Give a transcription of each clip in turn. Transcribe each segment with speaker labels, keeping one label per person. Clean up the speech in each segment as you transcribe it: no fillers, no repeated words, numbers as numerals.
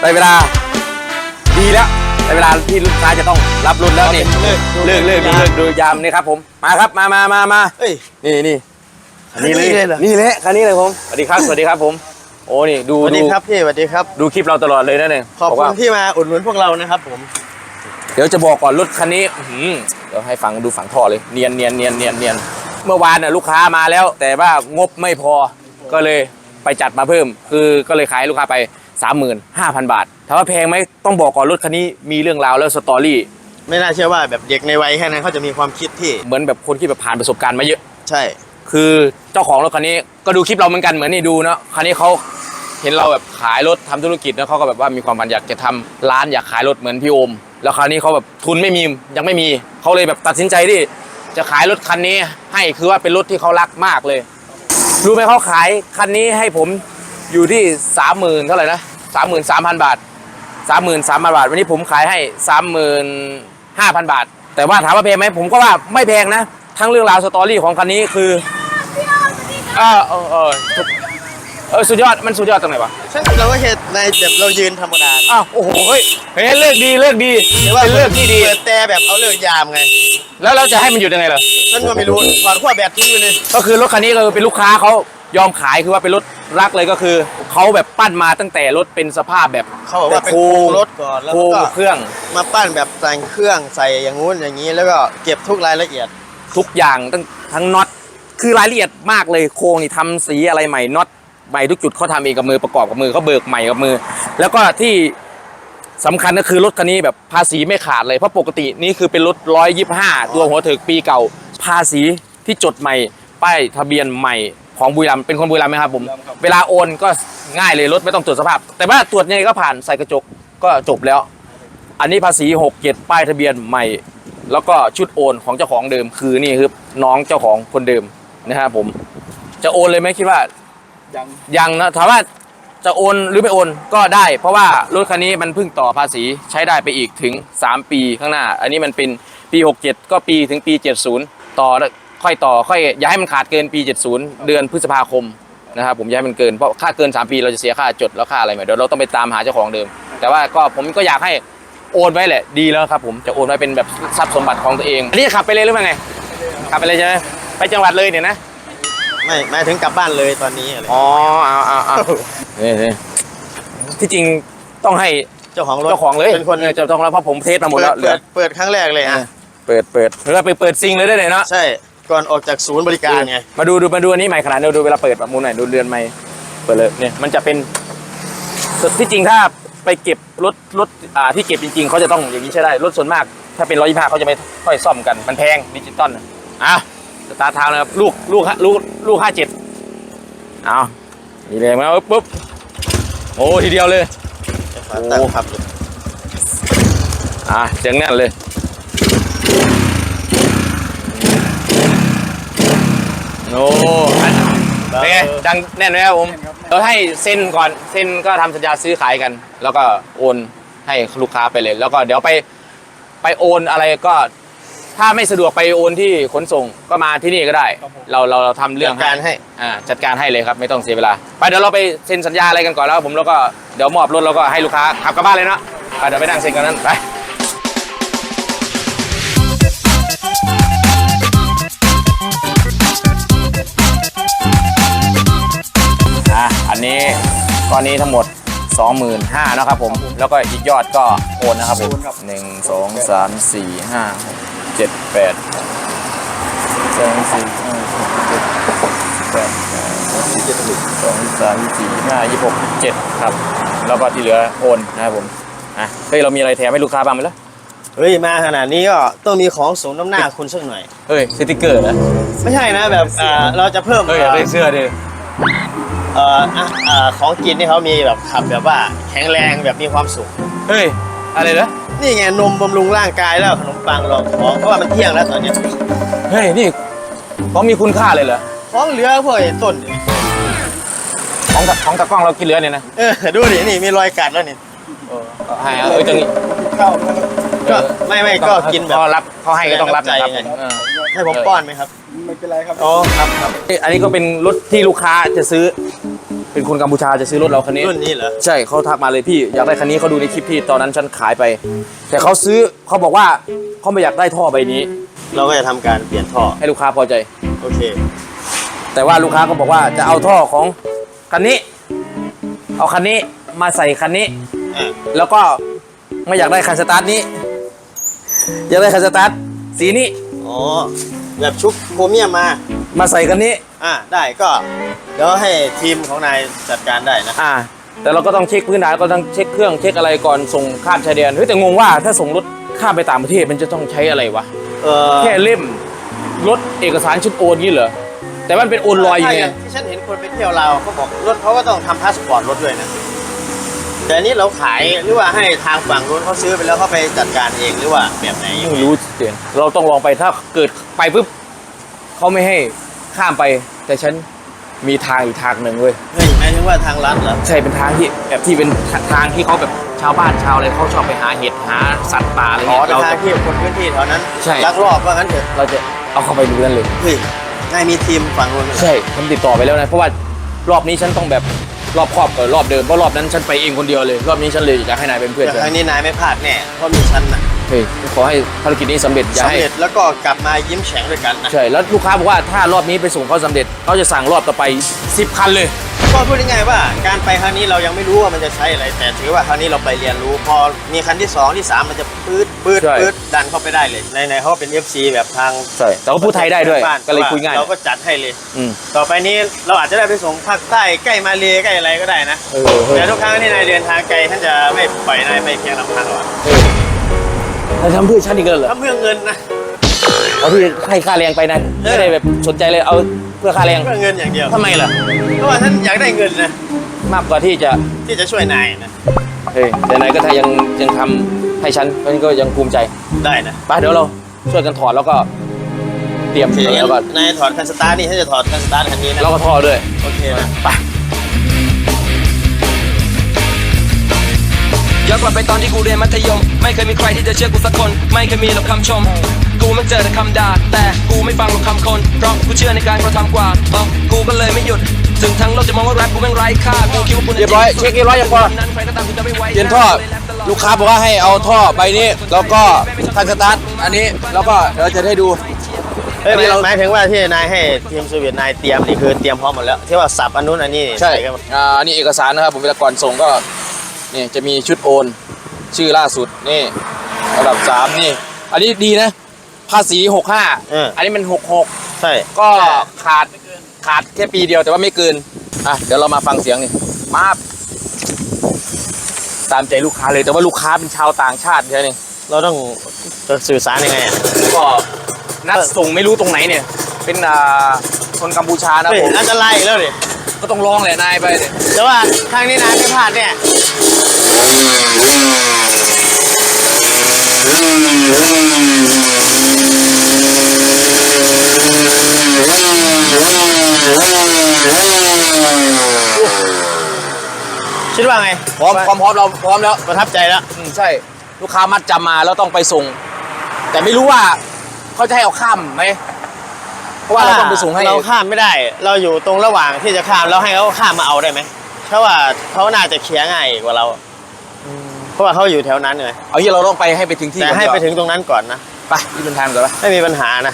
Speaker 1: ได้เวลาดีแล้วได้เวลาที่ลูกค้าจะต้องรับรุ่นแล้วนี่เลิกดูยามนี่ครับผมมาครับมานี่คันนี้เลยนี่แหละคันนี้เลยผมสวัสดีครับผมโอ้นี่ดู
Speaker 2: สวัสดีครับพี่สวัสดีครับ
Speaker 1: ดูคลิปเราตลอดเลยนะเนี่ย
Speaker 2: ขอบคุณที่มาอุดหนุนพวกเรานะครับผม
Speaker 1: เดี๋ยวจะบอกก่อนรถคันนี้เดี๋ยวให้ฟังดูฝังท่อเลยเนียนเมื่อวานน่ะลูกค้ามาแล้วแต่ว่างบไม่พอก็เลยไปจัดมาเพิ่มคือก็เลยขายลูกค้าไป 35,000 บาทถามว่าแพงไหมต้องบอกก่อนรถคันนี้มีเรื่องราวแล้วสตอรี่
Speaker 2: ไม่น่าเชื่อว่าแบบเด็กในวัยแค่นั้นเขาจะมีความคิดที่
Speaker 1: เหมือนแบบคนที่แบบผ่านประสบการณ์มาเยอะ
Speaker 2: ใช่
Speaker 1: คือเจ้าของรถคันนี้ก็ดูคลิปเราเหมือนกันเหมือนนี่ดูเนาะคันนี้เขาเห็นเราแบบขายรถทำธุรกิจแล้วเขาก็แบบว่ามีความฝันอยากจะทำร้านอยากขายรถเหมือนพี่โอมแล้วคราวนี้เขาแบบทุนไม่มียังไม่มีเขาเลยแบบตัดสินใจที่จะขายรถคันนี้ให้คือว่าเป็นรถที่เขารักมากเลยรู้ไหมเขาขายคันนี้ให้ผมอยู่ที่ 30,000 เท่าไหร่นะ 33,000 บาท 33,000 บาทวันนี้ผมขายให้ 35,000 บาทแต่ว่าถามว่าแพงไหมผมก็ว่าไม่แพงนะทั้งเรื่องราวสตอรี่ของคันนี้คือสุดยอดมันสุดยอดตรงไหนวะ
Speaker 2: ใช่เราก็เห็นในแบบเรายืนธรรมดา
Speaker 1: โอ้โหเฮ้ยเลิกดีเป็นเลิกที่ดี
Speaker 2: เปิดแต่แบบเอาเลิกยามไง
Speaker 1: แล้วเราจะให้มันอยู่ยังไงล่ะ
Speaker 2: ฉันก็ไม่รู้ถอดขั้วแบตทิ้งไปเลย
Speaker 1: ก็คือรถคันนี้ก็เป็นลูกค้าเขายอมขายคือว่าเป็นรถรักเลยก็คือเขาแบบปั้นมาตั้งแต่รถเป็นสภาพแบบ
Speaker 2: เขาบอกว่าเป็นรถก่อนแล้วก็
Speaker 1: เครื่อง
Speaker 2: มาปั้นแบบแต่งเครื่องใส่อย่างงู้นอย่างนี้แล้วก็เก็บทุกรายละเอียด
Speaker 1: ทุกอย่างทั้งน็อตคือรายละเอียดมากเลยโครงนี่ทำสีอะไรใหม่น็อตใหม่ทุกจุดเขาทำเองกับมือประกอบกับมือเขาเบิกใหม่กับมือแล้วก็ที่สำคัญก็คือรถคันนี้แบบภาษีไม่ขาดเลยเพราะปกตินี่คือเป็นรถ125ตัวหัวเถิกปีเก่าภาษีที่จดใหม่ป้ายทะเบียนใหม่ของบุรีรัมย์เป็นคนบุรีรัมย์ไหมครับผมเวลาโอนก็ง่ายเลยรถไม่ต้องตรวจสภาพแต่ว่าตรวจยังไงก็ผ่านใส่กระจกก็จบแล้วอันนี้ภาษี67ป้ายทะเบียนใหม่แล้วก็ชุดโอนของเจ้าของเดิมคือนี่คือน้องเจ้าของคนเดิมนะครับผมจะโอนเลยไหมคิดว่ายังนะถามว่าจะโอนหรือไม่โอนก็ได้เพราะว่ารถคันนี้มันเพิ่งต่อภาษีใช้ได้ไปอีกถึง3ปีข้างหน้าอันนี้มันเป็นปี67ก็ปีถึงปี70ต่อค่อยต่อค่อยอย่าให้มันขาดเกินปี70เดือนพฤษภาคมนะครับผมอย่าให้มันเกินเพราะค่าเกิน3ปีเราจะเสียค่าจดแล้วค่าอะไรใหม่เดี๋ยวเราต้องไปตามหาเจ้าของเดิมแต่ว่าก็ผมก็อยากให้โอนไว้แหละดีแล้วครับผมจะโอนไว้เป็นแบบทรัพย์สมบัติของตัวเองอันนี้ขับไปเลยหรือไงขับไปเลยใช่ไหมไปจังหวัดเลยเนี่ยนะ
Speaker 2: ไม่หมายถึงกลับบ้านเลยตอนนี้อะไร
Speaker 1: เอานี่ที่จริงต้องให้
Speaker 2: เจ้าของรถ
Speaker 1: เลย
Speaker 2: เป็นคน
Speaker 1: เจ้าของรถเพราะผมเทสมาหมดแล้ว
Speaker 2: เปิดครั้งแรกเลย
Speaker 1: เปิดแล้วไปเปิดซิงเลยได้เลยเนาะ
Speaker 2: ใช่ก่อนออกจากศูนย์บริการไง
Speaker 1: มาดูอันนี้ใหม่ขนาดดูเวลาเปิดแบบมุมไหนดูเรือนใหม่เปิดเลยเนี่ยมันจะเป็นที่จริงถ้าไปเก็บรถที่เก็บจริงๆเขาจะต้องอย่างนี้ใช่ได้รถส่วนมากถ้าเป็น125เขาจะไม่ค่อยซ่อมกันมันแพงดิจิตอลสตาร์ทเท้านะครับลูก57เอานี่เลยมาปุ๊บโอ้ทีเดียวเลย
Speaker 2: ตั้งครับ
Speaker 1: เสียงแน่นเลยโอ้เป็นไงดังแน่นไหมครับผมเราให้เซ็นก่อนเซ็นก็ทำสัญญาซื้อขายกันแล้วก็โอนให้ลูกค้าไปเลยแล้วก็เดี๋ยวไปโอนอะไรก็ถ้าไม่สะดวกไปโอนที่ขนส่งก็มาที่นี่ก็ได้เราทำเรื่องจัดการให้เลยครับไม่ต้องเสียเวลาไปเดี๋ยวเราไปเซ็นสัญญาอะไรกันก่อนแล้วผมแล้วก็เดี๋ยวมอบรถแล้วก็ให้ลูกค้าขับกลับบ้านเลยเนาะเดี๋ยวไปนั่งเซ็นกันนั้นไปอันนี้ก้อนนี้ทั้งหมด 25,000นะครับผมแล้วก็อีกยอดก็โอนนะครับผม1 2 3 4 5 6 7 8 2 4 5 6 7 8 2 3 4 5 26 7ครับแล้วก็ที่เหลือโอนนะครับผมเฮ้ยเรามีอะไรแถมให้ลูกค้าบ้างไหมล่ะ
Speaker 2: เฮ้ยมาขนาดนี้ก็ต้องมีของสมน้ำหน้าคุณสักหน่อย
Speaker 1: เฮ้ยสติ๊กเกอร์นะ
Speaker 2: ไม่ใช่นะแบบเราจะเพิ่ม
Speaker 1: เสื้อดิ
Speaker 2: ของกินนี่เขามีแบบขับแบบว่าแข็งแรงแบบมีความสุข
Speaker 1: เฮ้ยอะไรนะ
Speaker 2: นี่ไงนมบำรุงร่างกายแล้วขนมปังรองท้องเพราะว่ามันเที่ยงแล้วตอนนี้
Speaker 1: เฮ้ยนี่ของมีคุณค่าเลยเหรอ
Speaker 2: ของเหลือพวกต้น
Speaker 1: ของตะกล้องเรากินเหลือเนี่ยนะ
Speaker 2: ดูดินี่มีรอยกัดแล้วนี่
Speaker 1: ตรงนี้
Speaker 2: ก็ไม่ก็กินแบบ
Speaker 1: เขาให้ก็ต้องรับนะครับ
Speaker 2: ให้ผมป้อนไหมครับไม่เป็นไรครับอ๋อครับ
Speaker 1: อันนี้ก็เป็นรถที่ลูกค้าจะซื้อเป็นคนกัมพูชาจะซื้อรถเราคันนี้
Speaker 2: รุ่นนี้เหรอ
Speaker 1: ใช่เขาทักมาเลยพี่อยากได้คันนี้เขาดูในคลิปที่ตอนนั้นฉันขายไป แต่เขาซื้อเขาบอกว่าเขาไม่อยากได้ท่อใบนี้
Speaker 2: เราก็จะทำการเปลี่ยนท่อ
Speaker 1: ให้ลูกค้าพอใจ
Speaker 2: โอเค
Speaker 1: แต่ว่าลูกค้าก็บอกว่าจะเอาท่อของคันนี้ เอาคันนี้มาใส่คันนี้
Speaker 2: อ่ะ
Speaker 1: แล้วก็ไม่อยากได้คันสตาร์ทนี้ อยากได้คันสตาร์ทสีนี้
Speaker 2: อ๋อแบบชุบโครเมียมมา
Speaker 1: ใส่คันนี้
Speaker 2: ได้ก็เดี๋ยวให้ทีมของนายจัดการได้นะ
Speaker 1: แต่เราก็ต้องเช็คพื้นฐานก็ต้องเช็คเครื่องเช็คอะไรก่อนส่งข้ามชายแดนเฮ้ยแต่งงว่าถ้าส่งรถข้ามไปต่างประเทศมันจะต้องใช้อะไรวะ แค่เล่มรถเอกสารชุดโอนงี้เหรอแต่มันเป็นโอนลอยอยู่ไง
Speaker 2: ที่ฉันเห็นคนไปเที่ยวลาวเขาบอกรถเขาก็ต้องทำพาสปอร์ตรถด้วยนะแต่อันนี้เราขายหรือว่าให้ทางฝั่งนู้นเขาซื้อไปแล้วเขาไปจัดการเองหรือว่าแบบไหน
Speaker 1: ไม่รู้เสียงเราต้องลองไปถ้าเกิดไปปุ๊บเขาไม่ให้ข้ามไป แต่ฉันมีทางอีกทางหนึ่งเว้ย
Speaker 2: เฮ้ยหมายถึงว่าทางลัดเหรอ
Speaker 1: ใช่เป็นทางที่แบบที่เป็นทางที่เขาแบบชาวบ้านชาวอะไรเขาชอบไปหาเห็ดหาสัตว์ป่าอะไร
Speaker 2: อ๋อ
Speaker 1: เงี้ย
Speaker 2: ทางที่คนพื้นที่แถวนั้น
Speaker 1: ใช่
Speaker 2: ลักลอบว่างั้นเถอะ
Speaker 1: เราจะเอาเข้าไปดูกันเลย
Speaker 2: เฮ้ยนายมีทีมฝั่งนู้นเหรอ
Speaker 1: ใช่ฉันติดต่อไปแล้วนะเพราะว่ารอบนี้ฉันต้องแบบรอบครอบกับรอบเดิมเพราะรอบนั้นฉันไปเองคนเดียวเลยรอบนี้ฉันเลยอยากให้นายเป็นเพื่อน
Speaker 2: แต่
Speaker 1: ฉัน
Speaker 2: ครั้งนี้นายไม่พลาดแน่เพราะมีฉันนะ
Speaker 1: เฮ้ยขอให้ภารกิจนี้สำเร็จอย่า
Speaker 2: สำ
Speaker 1: ให้
Speaker 2: เร็จแล้วก็กลับมายิ้มแฉ่งด้วยกันนะ
Speaker 1: ใช่แล้วลูกค้าบอกว่าถ้ารอบนี้ไปส่งเขาสำเร็จเขาจะสั่งรอบต่อไป10 คันเลย
Speaker 2: ก็พูดง่ายๆว่าการไปครั้งนี้เรายังไม่รู้ว่ามันจะใช้อะไร แต่ถือว่าครั้งนี้เราไปเรียนรู้ พอมีคันที่2ที่3มันจะปื๊ดดันเข้าไปได้เลยในเขาเป็น FC แบบทาง
Speaker 1: ใช่แต่ว่าพูดไทยได้ด้วย
Speaker 2: บ้าน
Speaker 1: ก็เลยคุยง่าย
Speaker 2: เราก็จัดให้เลย
Speaker 1: อืม
Speaker 2: ต่อไปนี้เราอาจจะได้ไปส่งภาคใต้ใกล้มาเลใกล้อะไรก็ได้นะ
Speaker 1: เออเฮ้ย
Speaker 2: แต่ทุกครั้งที่นายเดินทางไกลท่านจะไม่ปล่อยนายไปเพียงลำพังหรอก
Speaker 1: นายทำเพื่อฉันอีกแล้วเหรอ
Speaker 2: ถ้าเพื่อเงินนะ
Speaker 1: เอาที่ให้ค่าแรงไปนะไม่ได้แบบสนใจเลยเอาเพื่อค่าแรง
Speaker 2: เพื่อเงินอย่างเดียว
Speaker 1: ทำไมล่ะ
Speaker 2: เพราะว่าท่านอยากได้เงินนะ
Speaker 1: มากกว่าที่จะ
Speaker 2: ที่จะช่วยนายนะ
Speaker 1: เฮ้ยแต่นายก็ถ้ายังทำให้ฉันฉันก็ยังภูมิใจ
Speaker 2: ได้นะ
Speaker 1: ไปเดี๋ยวเราช่วยกันถอดแล้วก็เตรียม
Speaker 2: ทีนี้
Speaker 1: แล้วก็
Speaker 2: นายถอดคันสตาร์ทนี่ท่านจะถอดคันสตาร์ทคันนี้นะ
Speaker 1: แล้วก็ท่อด้วย
Speaker 2: โอเคนะ
Speaker 1: ไป
Speaker 3: ย้อนกลับไปตอนที่กูเรียนมัธยม ไม่เคยมีใครที่จะเชื่อกูสักคน ไม่เคยมีหรอกคำชม กูมันเจอแต่คำด่าแต่กูไม่ฟังหรอกคำคน เพราะกูเชื่อในการกระทำกว่ากูก็เลยไม่หยุดถึงทั้งโลกจะมองว่าแรปกูแม่งไร้ค่ากูคิดว่ากู
Speaker 1: เรียบร้อยเช็คเรียบร้อยยังพอ
Speaker 3: นั้นใครก็ตามที่จะไม่ไว้
Speaker 1: เปลี่ยนท่อลูกค้าบอกว่าให้เอาท่อใบนี้แล้วก็คันสตาร์ทอันนี้แล้วก็เดี๋ยวจะได้ดู
Speaker 2: เอ้ย
Speaker 1: อันนี้เรา
Speaker 2: หมายถึงว่าที่นายให้ทีมสวีทนายเตรียมนี่คือเตรียมพร้อมหมดแล้วที่ว่าสับอันนู้นอันนี้
Speaker 1: ใช่
Speaker 2: กัน
Speaker 1: อันนี้เอกสารนะครับผมเวลาก่อนส่งก็นี่จะมีชุดโอนชื่อล่าสุดนี่ระดับ3นี่อันนี้ดีนะภาษี65อันนี้มัน66
Speaker 2: ใช่
Speaker 1: ก็ขาดแค่ปีเดียวแต่ว่าไม่เกินเดี๋ยวเรามาฟังเสียงนี่มาตามใจลูกค้าเลยแต่ว่าลูกค้าเป็นชาวต่างชาติใช่ไหม
Speaker 2: เราต้องจะสื่อสารยังไงอ่ะ
Speaker 1: ก็นัดส่งไม่รู้ตรงไหนเนี่ยเป็นคนกัมพูชานะ
Speaker 2: เฮ้ย
Speaker 1: ผม
Speaker 2: อันตรายอีกแล้วดิ
Speaker 1: ก็ต้องลองแหละนายไปเนี่ย
Speaker 2: แต่ว่าครั้งนี้นายไม่พลาดเนี่ย คิดว่าไง
Speaker 1: พร้อมเราพร้อมแล้ว
Speaker 2: ประทับใจแล้ว
Speaker 1: ใช่ลูกค้ามัดจำมาแล้วต้องไปส่ง แต่ไม่รู้ว่าเขาจะให้เอาข้ามไหมเพราะว่าเราต้องไปส่งให้
Speaker 2: เราข้ามไม่ได้ เราอยู่ตรงระหว่างที่จะข้ามเราให้เขาข้ามมาเอาได้ไหมเพราะว่าเขาน่าจะเคลียร์ง่ายกว่าเราเพราะว่าเขาอยู่แถวนั้นเลย
Speaker 1: เอาที่เราต้องไปให้ไปถึงที่
Speaker 2: แต่
Speaker 1: ก่อน
Speaker 2: ให้ไป
Speaker 1: ดีกว่า
Speaker 2: ถึงตรงนั้นก่อนนะ
Speaker 1: ไปที่เป็นทางก่อนปะ
Speaker 2: ไม่มีปัญหานะ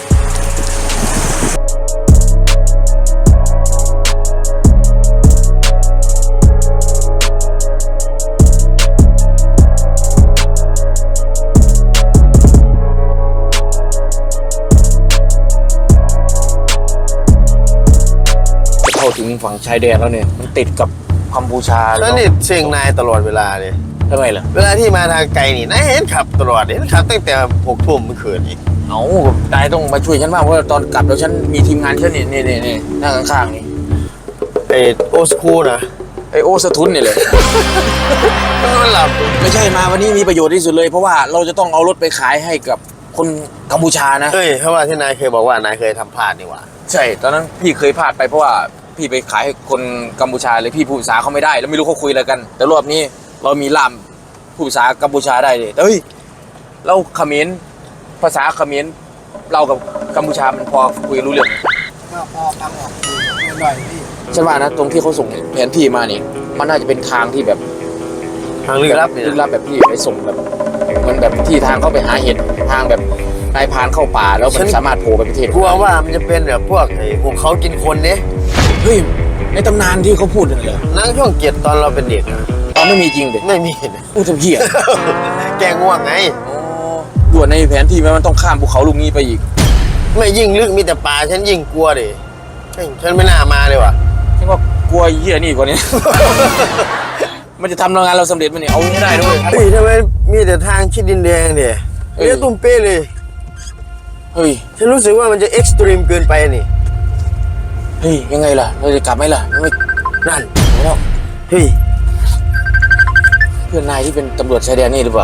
Speaker 1: เข้าถึงฝั่งชายแดนแล้วเนี่ยมันติดกับกัมพูชา
Speaker 2: แล้วนี่เชียงนายตลอดเวลาเลย
Speaker 1: ทำไมล่ะ
Speaker 2: เวลาที่มาทางไกลนี่นายเห็นขับตลอดเห็นขับตั้งแต่6 ทุ่มเมื่อคืนอีก
Speaker 1: เอานายต้องมาช่วยฉันมากเพราะว่าตอนกลับแล้วฉันมีทีมงานฉันนี่นั่งข้างๆนี่
Speaker 2: ไอโอสคูนะ
Speaker 1: ไอโอสะทุนนี่เลย
Speaker 2: มันหลับ
Speaker 1: ไม่ใช่มาวันนี้มีประโยชน์ที่สุดเลยเพราะว่าเราจะต้องเอารถไปขายให้กับคนกัมพูชานะ
Speaker 2: เฮ้ยเพราะว่าที่นายเคยบอกว่านายเคยทำพลาดนี่หว่า
Speaker 1: ใช่ตอนนั้นพี่เคยพลาดไปเพราะว่าพี่ไปขายให้คนกัมพูชาเลยพี่พูดภาษาเขาไม่ได้แล้วไม่รู้เขาคุยอะไรกัน แต่รอบนี้เรามีล่ามพูดภาษากัมพูชาได้เลยแต่เฮ้ยเราเขมรภาษาเขมรเรากับกัมพูชามันพอคุยรู้เรื่อง
Speaker 4: ก็พอฟังออกหน่อยพี่
Speaker 1: ฉันว่านะตรงที่เขาส่งแผนที่มานี่มันน่าจะเป็นทางที่แบบ
Speaker 2: ทางลึกลับเนี่ย
Speaker 1: ลึกลับแบบที่ไปส่งแบบมันแบบที่ทางเข้าไปหาเห็ดทางแบบนายพรานเข้าป่าแล้วมันสามารถโผล่ไปประเทศ
Speaker 2: กลัวว่ามันจะเป็นแบบพวกไอ้พวกเขากินคนเนี่ย
Speaker 1: เฮ้ยในตำนานที่เขาพูดนั่นเหรอ
Speaker 2: นั่งช่วงเกียรติตอนเราเป็นเด็กอะ
Speaker 1: อ๋อไม่มีจริงเด็
Speaker 2: ไม่มีนะ
Speaker 1: พูดทำเหี้ย
Speaker 2: แกง่วงไง
Speaker 1: ด่วนในแผนที่มันต้องข้ามภูเขาลูกนี้ไปอีก
Speaker 2: ไม่ยิ่งลึกมีแต่ป่าฉันยิ่งกลัวดิฉันไม่น่ามาเลยว่ะ
Speaker 1: ฉันว่ากลัวเหี้ยนี่กว่านี้ มันจะทำงานเราสำเร็จมันเนี่ยเอาให้ได้ด้วย
Speaker 2: เฮ้ยทำไมมีแต่ทางชิดดินแดงเนี่ยเรียกตุ้มเป้เลย
Speaker 1: เฮ้ย
Speaker 2: ฉันรู้สึกว่ามันจะเอ็กซ์ตรีมเกินไปนี่
Speaker 1: เฮ้ยยังไงล่ะเราจะกลับไหมล่ะไม่
Speaker 2: นั่น
Speaker 1: ไม่แล้ว
Speaker 2: เฮ้ย
Speaker 1: เพื่อนนายที่เป็นตำรวจชายแดนนี่หรือเปล่า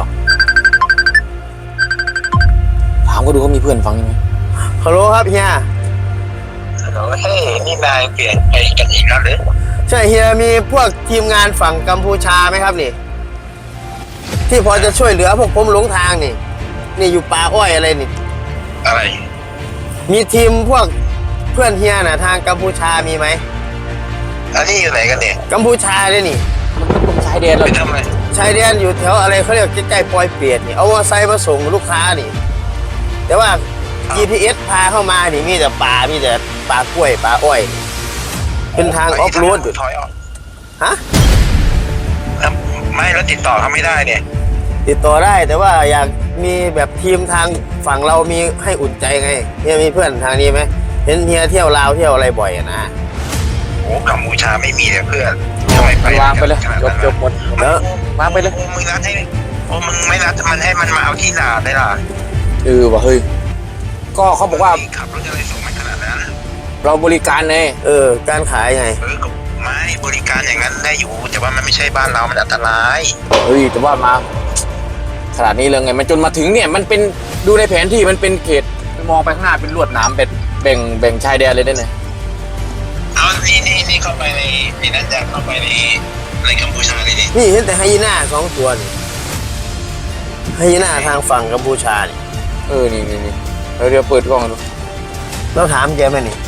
Speaker 1: ถามก็ดูเขามีเพื่อนฟังยังไง
Speaker 2: ฮัลโหลครับเฮีย
Speaker 4: เฮ้ยนี่นายเปลี่ยนไปกันอีกแล้วหรือ
Speaker 2: ใช่เฮียมีพวกทีมงานฝั่งกัมพูชาไหมครับนี่ ที่พอจะช่วยเหลือพวกผมหลงทางนี่ นี่อยู่ป่าอ้อยอะไรนี่
Speaker 4: อะไร
Speaker 2: มีทีมพวกเพื่อนเฮียน่ะทางกัมพูชามีไหม
Speaker 4: อันนี้อยู่ไหนกันเนี่ย
Speaker 2: กัมพูชาเลยนี่
Speaker 1: มันก็ตรงชายแดนเรา
Speaker 4: ไปทำอะไร
Speaker 2: ชายแดนอยู่แถวอะไรเขาเรียกใกล้ๆปอยเปียดนี่เอามอเตอร์ไซค์มาส่งลูกค้านี่ แต่ว่า GPS พาเข้ามานี่มีแต่ป่ามีแต่ป่ากล้วยป่าอ้อย เป็นทางออฟโรดอยู่
Speaker 4: ถอยออก
Speaker 2: ฮะ
Speaker 4: แล้วไม่แล้วติดต่อเขาไม่ได้เนี่ย
Speaker 2: ติดต่อได้แต่ว่าอยากมีแบบทีมทางฝั่งเรามีให้อุ่นใจไงเฮียมีเพื่อนทางนี้ไหมเห็นเฮียเที่ยวลาวเที่ยวอะไรบ่อยอะนะ
Speaker 4: โอ้กัมพูชาไม่มีเลยเพื่อนทำไมไป
Speaker 1: วางไปเลย
Speaker 4: ขนาด
Speaker 1: จ
Speaker 4: นั้
Speaker 1: บ
Speaker 4: น
Speaker 1: จบหมด
Speaker 2: แล้ว
Speaker 1: วางไปเลย
Speaker 4: โอ้มึงนัดให้โอ้มึงไม่นัดมันให้มันมาเอาที่นาได้ล่ะ
Speaker 1: ว่ะเฮ้ยก็เขาบอกว่า
Speaker 4: ขับรถอะไรส่งมาขนาดนั้น
Speaker 1: เราบริการไง
Speaker 2: การขายไง
Speaker 4: ก็ไม่บริการอย่างนั้นได้อยู่ แต่ว่ามันไม่ใช่บ้านเรามันอันตราย
Speaker 1: เฮ้ยแต่ว่ามาขนาดนี้เลยไงมันจนมาถึงเนี่ยมันเป็นดูในแผนที่มันเป็นเขตมองไปข้างหน้าเป็นลวดหนามเป็นแบ่งชายแดนเลยได้ไง
Speaker 4: เอานี่เข้าไปในนั่นจะเข้าไปในกัมพูชาเลยนี่
Speaker 2: นี่เห็นแต่ไฮยีน่า2 ตัวนี่ไฮยีน่าทางฝั่งกัมพูชานี่
Speaker 1: นี่เดี๋ยวเปิดกล้องดู
Speaker 2: เราถามแกไหมนี่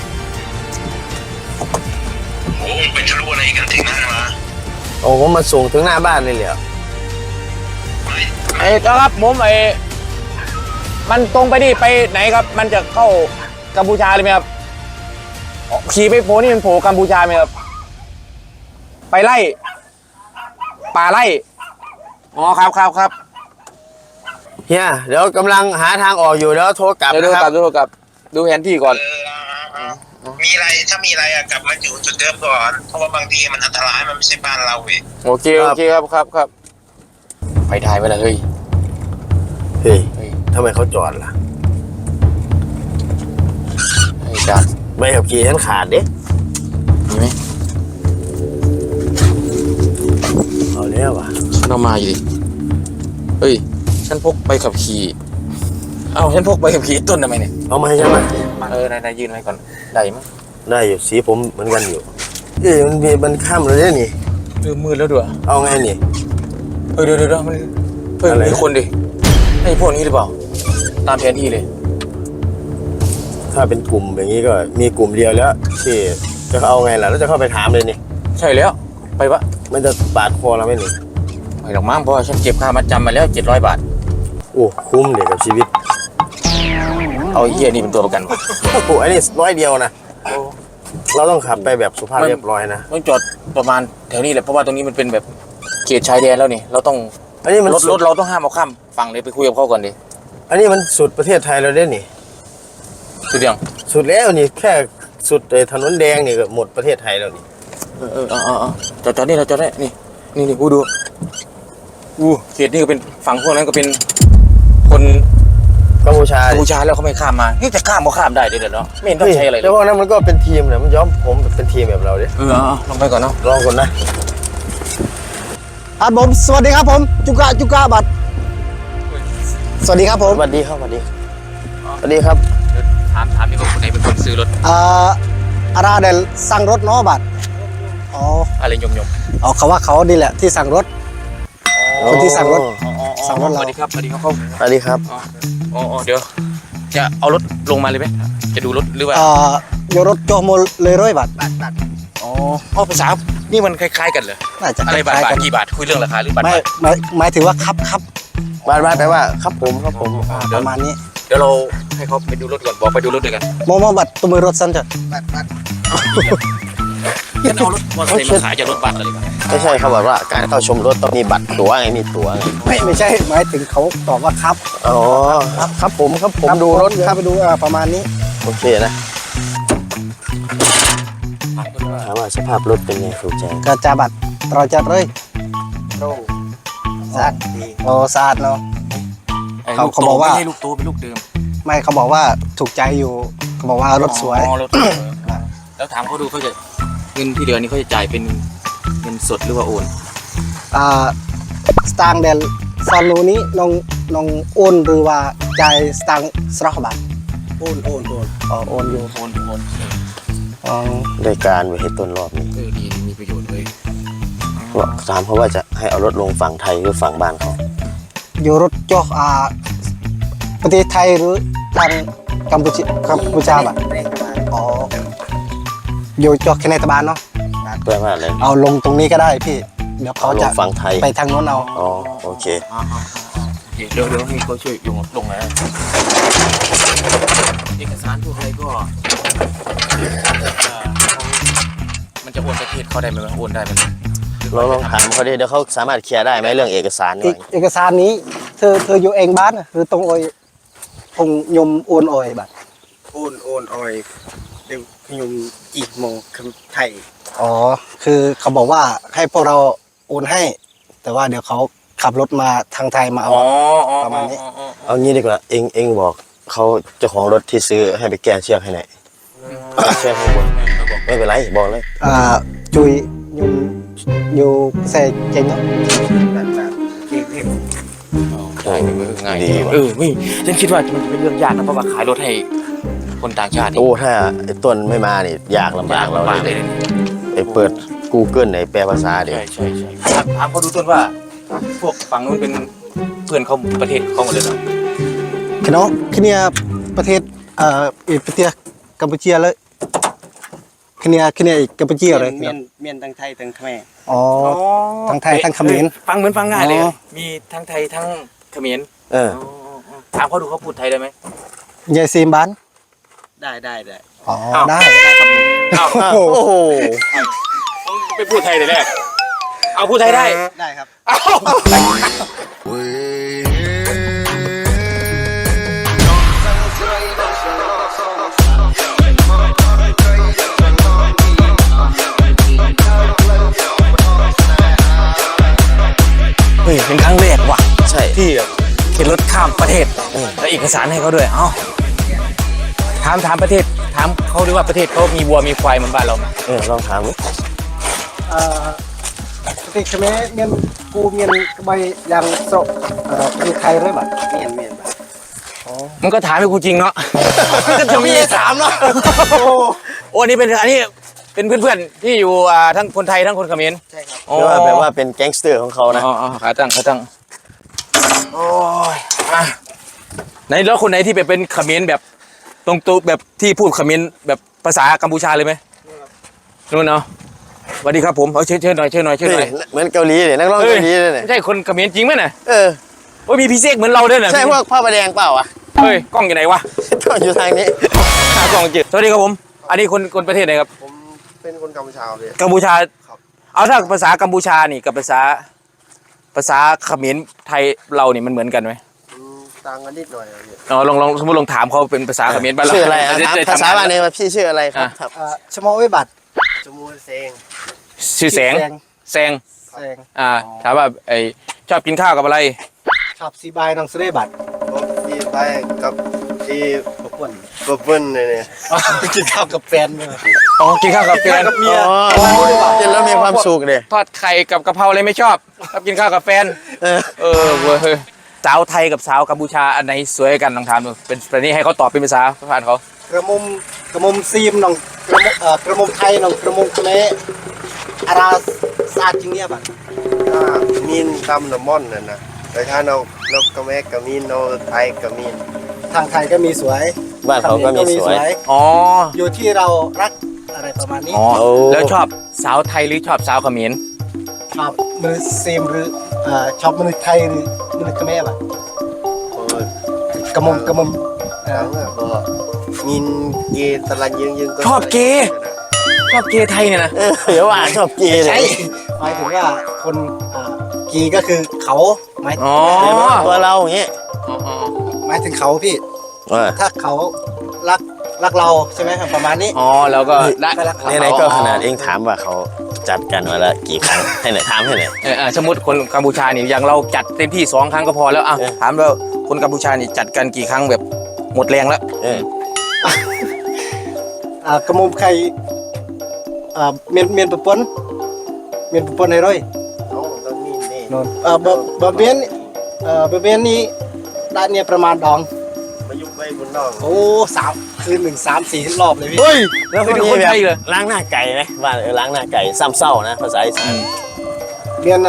Speaker 4: โอ้ไปทะลุอะไรกันถึงนั่นมา
Speaker 2: โอ้ผมมาส่งถึงหน้าบ้านเลยเหรอ
Speaker 4: ไม่
Speaker 1: ครับผมมันตรงไปนี่ไปไหนครับ มันจะเข้ากัมพูชาเลยไหมครับขี่ไปโผล่นี่มันโผล่กัมพูชาไหมครับไปไล่ป่าไล่อ๋อครับ
Speaker 2: เฮียเดี๋ยวกำลังหาทางออกอยู่เดี๋ยวโทรกลับ
Speaker 1: เดี๋ยว
Speaker 2: นะครับ
Speaker 1: ดูกลับดูแผนที่ก่อน
Speaker 4: มีอะไรถ้ามีอะไรอะกลับมาอยู่จุดเดิมก่อนเพราะว่าบางทีมันอันตรายมันไม่ใช่บ้านเราเว้ย
Speaker 1: โอเคครับไปถ่ายไปเลยเฮ้ย
Speaker 2: เฮ้ยทำไมเขาจอดล่ะ
Speaker 1: ไอ้จาน
Speaker 2: ใบขับขี่ฉันขาดเด้
Speaker 1: มีไหม
Speaker 2: เอาแล้วว่ะ
Speaker 1: ฉันเอามาอยู่ดิเฮ้ยฉันพกใบขับขี่ฉันพกใบขับขี่ต้นทำไมเนี่ย
Speaker 2: เอามาให้ฉันไหม
Speaker 1: นายยืนไว้ก่อนได้มั้ย
Speaker 2: ได้อยู่สีผมเหมือนกันอยู่มันข้ามเลยเนี่ยนี่
Speaker 1: มืดแล้วด้วย
Speaker 2: เอาไงนี่
Speaker 1: เดี๋ยวมัน
Speaker 2: อะไร
Speaker 1: มีคนดิไอ้พวกนี้หรือเปล่าตามแผนที่เลย
Speaker 2: ถ้าเป็นกลุ่มอย่างนี้ก็มีกลุ่มเดียวแล้วที่จะเอาไงล่ะแล้วจะเข้าไปถามเลยนี่
Speaker 1: ใช่แล้วไปปะ
Speaker 2: มันจะปาดคอเราไหมนี่
Speaker 1: ไม่หรอกมั้งเพราะว่าฉันเก็บค่ามัดจำมาแล้ว700 บาท
Speaker 2: โอ้คุ้มเลยกับชีวิต
Speaker 1: เอาไอ้เหี้ยนี่เป็นตัวประกันวะ
Speaker 2: โอ้โหอันนี้100 เดียวนะเราต้องขับไปแบบสุภาพเรียบร้อยนะ
Speaker 1: ต้องจอดประมาณแถวนี้แหละเพราะว่าตรงนี้มันเป็นแบบเขตชายแดนแล้วนี่เราต้อง
Speaker 2: อันนี้มัน
Speaker 1: รถ
Speaker 2: สุด
Speaker 1: เราต้องห้ามเอาข้ามฝั่งเลยไปคุยกับเขาก่อนดิ
Speaker 2: อันนี้มันสุดประเทศไทยเราได้นี่
Speaker 1: สุดยัง
Speaker 2: สุดแล้วนี่แค่สุดถนนแดงนี่ก็หมดประเทศไทยแล้วนี่
Speaker 1: จอดนี่เราจอดได้นี่กูดูเขตนี่ก็เป็นฝั่งพวกนั้นก็เป็นคน
Speaker 2: กัมพูชา
Speaker 1: กัมพูชาแล้วเขาไม่ข้ามมานี่จะข้ามก็ข้ามได้เดี๋ยวเนาะไม่เห็นต้องใช้อะไรเล
Speaker 2: แต่
Speaker 1: ย
Speaker 2: ว่านั้นมันก็เป็นทีมนะมันย้อมผมเป็นทีมแบบเราดิ
Speaker 1: ลงไปก่อนเนาะ
Speaker 2: ลองก่อนนะ
Speaker 5: ครับผมสวัสดีครับผมจุกะบัตรสวัสดีครับผม
Speaker 2: สวัสดีครับสวัสดีสวัสดีครับ
Speaker 1: ถามดีว่าคนไหนเป็นคนซื้อรถ
Speaker 5: อาราเดลสั่งรถเนาะบัตรอ๋อ
Speaker 1: อะไรยม
Speaker 5: เอาเขาว่าเขาดีแหละที่สั่งรถ คนที่สั่งรถ สั่งรถ
Speaker 1: ส
Speaker 5: เรา
Speaker 1: วัสดีครับเขา
Speaker 2: สวัสดีครับ
Speaker 1: เดี๋ยวจะเอารถลงมาเลยไหมจะดูรถหรือว่า
Speaker 5: โยรถโจโมเลยร้อยบาท
Speaker 1: อ๋ออ๋อภาษานี่มันคล้ายๆกันเหรอ
Speaker 5: น่าจะ
Speaker 1: อะไรบาท
Speaker 5: คล้ยๆกัน
Speaker 1: กี่บาทคุยเรื่องราคาหรือบาท
Speaker 5: ไม่หมายถึงว่าครับ
Speaker 2: บ้านแปลว่าครับผมครับผม
Speaker 5: ประมาณนี้
Speaker 1: เดี๋ยวเราให้เขาไปดูรถก่อนบอกไปดูรถด้วยกัน
Speaker 5: โมบัตรตัวมือรถสั้นจ้ะ
Speaker 1: งั้นเอารถมอเตอร์ไซค์มาขายจากรถบัสเลยดีกว่า
Speaker 2: ไม่ใช่เขาบอกว่าการเข้าชมรถต้องมีบัตรตั๋วไงมีตั๋วไง
Speaker 5: ไม่ใช่หมายถึงเขาตอบว่าครับ
Speaker 2: อ๋อครับผมดูรถครับ
Speaker 5: ไปดูประมาณนี้
Speaker 2: โอเคนะถามว่าสภาพรถเป็นไงครูแจง
Speaker 5: ก็จะบัตรเราจัดเลยสะอาดดีโอ้สะอาดเนาะ เขาบอกว่า
Speaker 1: ไม่ใช่ลูกโตเป็นลูกเดิม
Speaker 5: ไม่เขาบอกว่าถูกใจอยู่เขาบอกว่ารถสวย
Speaker 1: อ๋อรถแล้วถามเขาดูเขาจะเงินที่เหลือนี่เขาจะจ่ายเป็นเงินสดหรือว่าโอน
Speaker 5: สตางค์เดลซอนนูนี้น้องโอนหรือว่าจ่ายสตางค์สระบัตรโอนอ๋อโอนอยู่
Speaker 1: โอน
Speaker 5: อ๋อ
Speaker 2: ได้การไว้ให้ต้นรอบนี้
Speaker 1: ดีมีประโยชน์เลย
Speaker 2: ถามเขาว่าจะให้เอารถลงฝั่งไทยหรือฝั่งบ้านเขา
Speaker 5: อยู่รถจอประเทศไทยหรือทางกัมพูชาบัตรอ๋ออยู่จอแคเนตบานเนาะ
Speaker 2: แปลว่าอะไร
Speaker 5: เอาลงตรงนี้ก็ได้พี่เดี๋ยวเขา
Speaker 2: ล
Speaker 5: จะ
Speaker 2: งฝั่งไทย
Speaker 5: ไปทางโน้นเอา
Speaker 2: อ๋อโอเค
Speaker 1: เดี๋ยวให้เขาช่วยลงนะเอกสารพวกอะไรก็มันจะโอนประเทศเขาได้ไหมโอนได้ไหม
Speaker 2: เราลองถามเขาดิเดี๋ยวเขาสามารถเคลียร์ได้ไหมเรื่องเอกสารนี่
Speaker 5: เอกสารนี้เธออยู่เองบ้านน่ะหรือตรงโอยตรงยมโอนโอยบัตร
Speaker 6: โอนออยเดี๋ยวขยมอีกโมงคำไทย
Speaker 5: อ๋อคือเขาบอกว่าให้พวกเราโอนให้ แต่ว่าเดี๋ยวเขาขับรถมาทางไทยมาเอาประมาณนี้
Speaker 2: เอางี้ดีกว่าเองบอกเขาเจ้าของรถที่ซื้อให้ไปแก้เชือกให้หน่อยเชือกข้างบนไม่เป็นไรบอกเลย
Speaker 5: จุยยมอยู่เซเจงเนาะ
Speaker 1: ได้ง่าย
Speaker 2: ดีว่ะ
Speaker 1: นี่ฉันคิดว่ามันจะเป็นเรื่องยากนะเพราะว่าขายรถให้คนต่างชาติ
Speaker 2: โอ้ถ้าไอ้ต้นไม่มานี่ยากลำบากเรา
Speaker 1: ลำบาก
Speaker 2: เล
Speaker 1: เลย ย
Speaker 2: ไอ้เปิด Google ไอ้แปลภาษาเดี๋ยว
Speaker 1: ใช่ถามเขาดูต้นว่า พวกฝั่งนู้นเป็นเพื่อนเขาประเทศเขาหมดเลยเหรอ
Speaker 5: คือน้องคือเนี่ยประเทศประเทศกัมพูชาเลยคือเนี่ยอีกกัมพูชาเลย
Speaker 6: เมียนทั้งไทยทั้งแม่
Speaker 5: อ๋อทั้งไทยทั้งเขมร
Speaker 1: ฟังเหมือนฟังง่ายเลย
Speaker 5: อ๋อ
Speaker 1: มีทั้งไทยทั้งเขมร
Speaker 2: เออ
Speaker 1: ถามเขาดูเขาพูดไทยได้ไหม
Speaker 5: ยายซีมบ้าน
Speaker 6: ได้
Speaker 5: อ๋อได้
Speaker 1: อ้าว
Speaker 2: โอ้โห
Speaker 1: ไปพูดไทยแต่แรกเอาพูดไทยได้
Speaker 6: ได้ครับ
Speaker 1: เอา เฮ้ยเป็นครั้งแรกว่ะ
Speaker 2: ใช่
Speaker 1: ที่แบบเข็นรถข้ามประเทศแล้วเอกสารให้เขาด้วย เอ้าถามประเทศถามเขาด้วยว่าประเทศเขามีวัวมีควายเหมือนบ้านเราไหม
Speaker 2: ลองถามดิ
Speaker 5: ประเทศเขมรเมียนกูเมียนกระใบยางโซประเทศไทยเลยบัด
Speaker 6: เมียน
Speaker 1: มันก็ถามให้กูจริงเนาะ ก็จะมีถามเนาะโอ้อันนี้เป็นเพื่อนๆที่อยู่ทั้งคนไทยทั้งคนเขมร
Speaker 6: ใช่ครับ
Speaker 1: โอ้
Speaker 2: แปลว่าเป็นแก๊งสเตอร์ของเขานะ
Speaker 1: อ๋อขาตั้งโอ้ยอ่ะไหนแล้วคนไหนที่เป็นเขมรแบบตรงตัวแบบที่พูดเขมรแบบภาษากัมพูชาเลยไหมนู่นเนาะสวัสดีครับผมเอาเชิญหน่อย
Speaker 2: เฮ้ยเหมือนเกาหลีเลยนักร้องเกาหลีเลยเนี่ย
Speaker 1: ไม่ใช่คนเขมรจริงไหมน่ะ
Speaker 2: เออ
Speaker 1: โอ้ยมีพี่เสกเหมือนเราด้วยน่ะ
Speaker 2: ใช่พวกผ้าประแดงเปล่าวะ
Speaker 1: เฮ้ยกล้องอยู่ไหนวะ
Speaker 2: ก็อยู่ทางนี้
Speaker 1: หากล้องจืดสวัสดีครับผม อันนี้คนประเทศไหนครับ
Speaker 6: ผมเป็นคนกัมพูชาเลย
Speaker 1: กัมพูชา
Speaker 6: ครับ
Speaker 1: เอาถ้าภาษากัมพูชานี่กับภาษาเขมรไทยเรานี่มันเหมือนกันไหม
Speaker 6: ต่างกันนิดหน่อยครับพี่
Speaker 1: ลองสมมติลองถามเขาเป็นภาษาเขมรบ้านเรา
Speaker 2: ชื่ออะไรอ่ะ
Speaker 1: จ
Speaker 2: ถาม
Speaker 1: ด้
Speaker 2: ภาษา
Speaker 1: ทำง
Speaker 2: บ้านเนี่ยว่าพี่ชื่ออะไรครับครับ
Speaker 5: ชะมอไว้บัตร
Speaker 6: จมูกเซง
Speaker 1: ชื่อแสงแซง
Speaker 5: แสง
Speaker 1: ถามว่าไอชอบกินข้าวกับอะไร
Speaker 5: ชอบซีบายน้องเสด็บัตร
Speaker 6: ผมที่ไปกับที่
Speaker 5: พวกคน
Speaker 6: บเบิ้ลเนี่ย
Speaker 5: ไปกินข้าวกับแฟนเลย
Speaker 1: อ๋อกินข้าวกับแฟน
Speaker 2: อ๋อกินแล้วมีความสุขเลย
Speaker 1: ทอดไข่กับกะเพราอะไรไม่ชอบชอบกินข้าวกับแฟน
Speaker 2: เออ
Speaker 1: เว้ยสาวไทยกับสาวกัมพูชาอันไหนสวยกันลองถามดูเป็นประเด็นให้เขาตอบเป็นภาษาผ่านเขา
Speaker 5: กระมุมซีมน้องกระมุมไทยน้องกระมุมเขมรอาราสะอาดจริงเนี่ยบัตร
Speaker 6: ถ้ามีนตำน้ำมันน่ะนะแต่ถ้าเรากระแมกกับมีนเราไทยกับมีน
Speaker 5: ทางไทยก็มีสวย
Speaker 2: บ้านเขาก็มีสวย
Speaker 1: อ๋อ
Speaker 5: อยู่ที่เรารักอะไรอะไรประมาณนี้
Speaker 1: อ๋อแล้วชอบสาวไทยหรือชอบสาวเขมร
Speaker 5: ชอบมือเซมหรือชอบมือไทยหรือมือเขมรอ่ะ
Speaker 6: โอ้ย
Speaker 5: กระมง
Speaker 6: ทั้งอ่ะก็มินเกย์ตะลันยึงก็
Speaker 1: ชอบเกย์ชอบเกย์ไทยเนี่ยนะ
Speaker 2: เดี๋ยวว่าชอบเกย์เล
Speaker 5: ใช่
Speaker 2: ย
Speaker 5: หมายถึงว่าคนกีก็คือเขาหมาย
Speaker 1: อ๋อ
Speaker 2: ตัวเราอย่างเงี้ย
Speaker 5: หมายถึงเขาพี่
Speaker 2: เออ
Speaker 5: ถ้าเขารักเราใช่ไหมครับประมาณนี้
Speaker 1: อ๋อแล้วก็ได้
Speaker 2: ไหนๆก็ขนาดเองถามว่าเขาจัดกันมาแล้วกี่ครั้งให้หน่อยถามให้หน่อย
Speaker 1: สมมติคนกัมพูชานี่อย่างเราจัดเต็มที่2 ครั้งก็พอแล้วอ่ะ
Speaker 2: เออ
Speaker 1: ถามว่าคนกัมพูชานี่จัดกันกี่ครั้งแบบหมดแรงแล้ว
Speaker 2: เออก
Speaker 5: ระมงใครเมียนประปนให้ร้อย
Speaker 6: เอาต้องมีนี่
Speaker 5: นนบะเมียนนี่ได้เนี่ยประมาณดอง
Speaker 6: มายุบไว้บนน้อง
Speaker 5: โอ้คืน1-3-4 รอบเลยพี่
Speaker 2: เฮ้ยแล้ว
Speaker 1: ไม่
Speaker 2: ก็
Speaker 1: ดู
Speaker 2: มี
Speaker 1: คน
Speaker 2: แบ
Speaker 1: ไท
Speaker 2: บ
Speaker 1: ยเลย
Speaker 2: ล้างหน้าไก่ไหมว่าล้างหน้าไก่ซ้ำเศร้านะภาษาอีสาน
Speaker 5: เมียน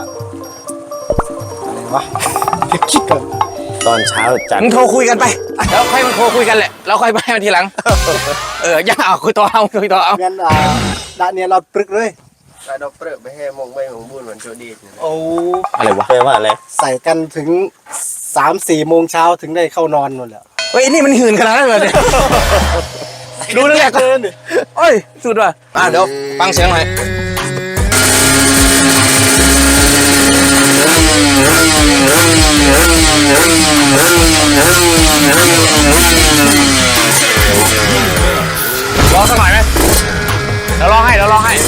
Speaker 5: อะไรวะคิดก่อน
Speaker 2: ตอนเช้าจัด
Speaker 1: มึงโทรคุยกันไปแล้วค่อยมันโทรคุยกันแหละแล้วค่อยไปมันทีหลังอย่าเอาคุยต่อเอาคุยต่อเอา
Speaker 5: เมียนได้เนี่ยเราปรึกเลย
Speaker 6: ไปดอกเปลือกไปให้มองใบของบุญเหมือนโจดีด
Speaker 5: โอ้
Speaker 1: อะไรวะ
Speaker 2: แปลว่าอะไร
Speaker 5: ใส่กันถึง3-4 โมงเช้าถึงได้เข้านอนหมดแล้ว
Speaker 1: เฮ้ยนี่มันหื่นขนาดนั้นเลยเนี่ยดูนั่นแหละก็โอ้ยสุดว่ะเดี๋ยวฟังเสียงหน่อยร้องสักหน่อยไหมเดี๋ยวร้องให้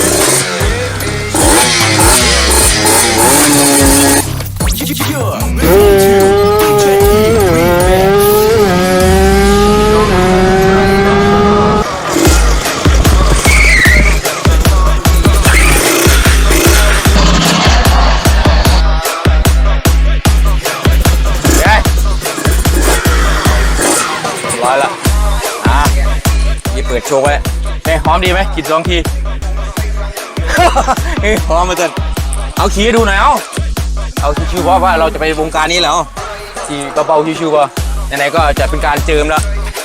Speaker 1: ร้อยละนี่เปิดโชว์ไว้เฮ้ยหอมดีไหมกิน2 ที เฮ้ยหอมมาจนเอาขี่ให้ดูหน่อยเอาชิวๆเพราะว่าเราจะไปวงการนี้แล้วขี่เบาๆชิวๆก็ไหนๆก็จะเป็นการเจิมแล้ว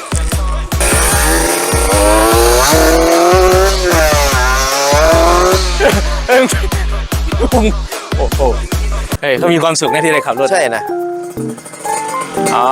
Speaker 1: โอ้โหเฮ้ยเขามีความสุขนะที่ได้ขับรถ
Speaker 2: ใช่นะ
Speaker 1: อ๋อ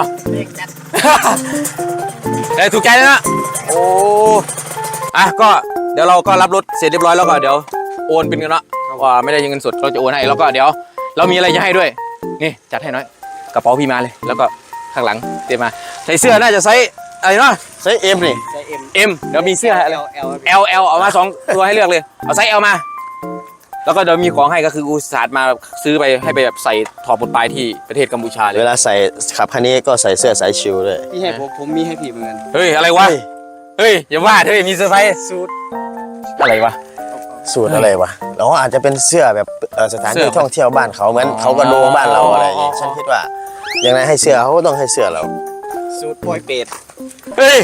Speaker 1: ได้ถูกใจแล้วนะโอ้ก็เดี๋ยวเราก็รับรถเสร็จเรียบร้อยแล้วก็เดี๋ยวโอนเป็นเงินละว่าไม่ได้เงินสดเราจะโอนให้แล้วก็เดี๋ยวเรามีอะไรจะให้ด้วยนี่จัดให้น้อยกระเป๋าพี่มาเลยแล้วก็ข้างหลังเตรียมมาใส่เสื้อน่าจะไซส์อะไรเนาะ
Speaker 2: ใช้เอ็มนี่
Speaker 1: M เดี๋ยวมีเสื้ออะไร L เอามา2 ตัวให้เลือกเลยเอาไซส์ L มาแล้วก็เดี๋ยวมีของให้ก็คืออุตส่าห์มาซื้อไปให้ไปแบบใส่ถอดบทปลายที่ประเทศกัมพูชาเลย
Speaker 2: เวลาใส่ขับคันนี้ก็ใส่เสื้อสายชิวด้วย
Speaker 5: พี่ให้ผมมีให้พี่เหมือนกัน
Speaker 1: เฮ้ยอะไรวะเฮ้ยอย่าว่าเฮ้ยมีเซอร์ไพรส์สูตรอะไรวะ
Speaker 2: สูตรอะไรวะเราอาจจะเป็นเสื้อแบบสถาน
Speaker 1: เสื้
Speaker 2: ที่
Speaker 1: อ
Speaker 2: ท่องเที่ยวบ้านเขาเหมือนเขากระโดงบ้านเราอะไรอย่างงี้ฉันคิดว่าอย่างไรให้เสื้อเขาก็ต้องให้เสื้อเรา
Speaker 5: สูตรปอยเป็ด
Speaker 1: เฮ้ย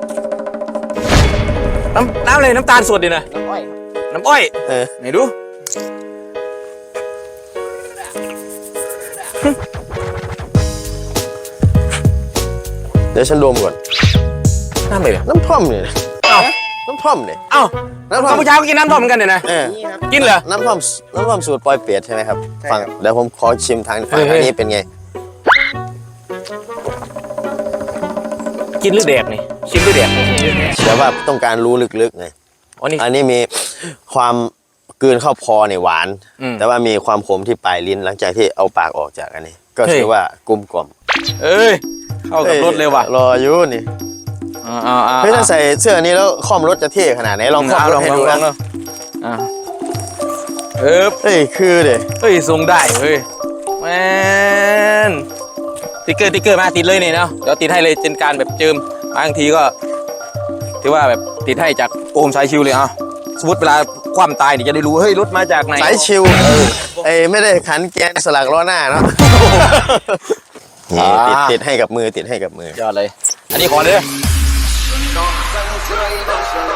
Speaker 1: น้ำอะไรน้ำตาลสดดินะน้ำอ้อย
Speaker 2: เออ
Speaker 1: ไหนดู
Speaker 2: เดี๋ยวฉันดมก่อน
Speaker 1: น้ำอะไรเนี่ย
Speaker 2: น้ำท่อมเนี่ย
Speaker 1: เอ้า
Speaker 2: น้ำท่อมเนี่ย
Speaker 1: เอ้า
Speaker 2: น้ำท่อ
Speaker 1: กั
Speaker 2: ม
Speaker 1: มพูชาก็กินน้ำท่อมเหมือนกันเนี่ยนะ
Speaker 2: เออ
Speaker 1: กินเหรอ
Speaker 2: น้ำท่อมสูตรปอยเปียดใช่ไหมครับฟังเดี๋ยวผมขอชิมทางฝั่ง
Speaker 1: เฮ้ย
Speaker 2: อันนี้เป็นไง
Speaker 1: กินหรือแดกนี่ชิมหรือแดก
Speaker 2: แต่ว่าต้องการรู้ลึกๆไง
Speaker 1: อ๋อนี่
Speaker 2: อันนี้มีความกลืนเข้าพอเนี่ยหวาน
Speaker 1: อืม
Speaker 2: แต่ว่ามีความขมที่ปลายลิ้นหลังจากที่เอาปากออกจากอันนี้ ก็
Speaker 1: เฮ้ย
Speaker 2: ถือว่ากลมกล่อม
Speaker 1: เอ้ยเข้ากับรถเลยว่ะ
Speaker 2: รออยู่นี่ เฮ้ยถ้าใส่เสื้อนี้แล้วคล่อมรถจะเท่ขนาดไหนลองคล่อมรถให้ดูนะ
Speaker 1: เออ
Speaker 2: เฮ้ยคือเด้
Speaker 1: เฮ้ยทรงได้เฮ้ยแมนติ๊กเกอร์มาติดเลยนี่เนาะเดี๋ยวติดให้เลยเป็นการแบบเจิมบางทีก็ถือว่าแบบติดให้จากโอมสายชิวเลยสมมติเวลาความตายเนี่ยจะได้รู้เฮ้ยรถมาจากไหน
Speaker 2: สายชิวไอ้ไม่ได้ขันแกนสลักล้อหน้าเนาะนี่ติดให้กับมือติดให้กับมือ
Speaker 1: ยอดเลย อันนี้ขอเลย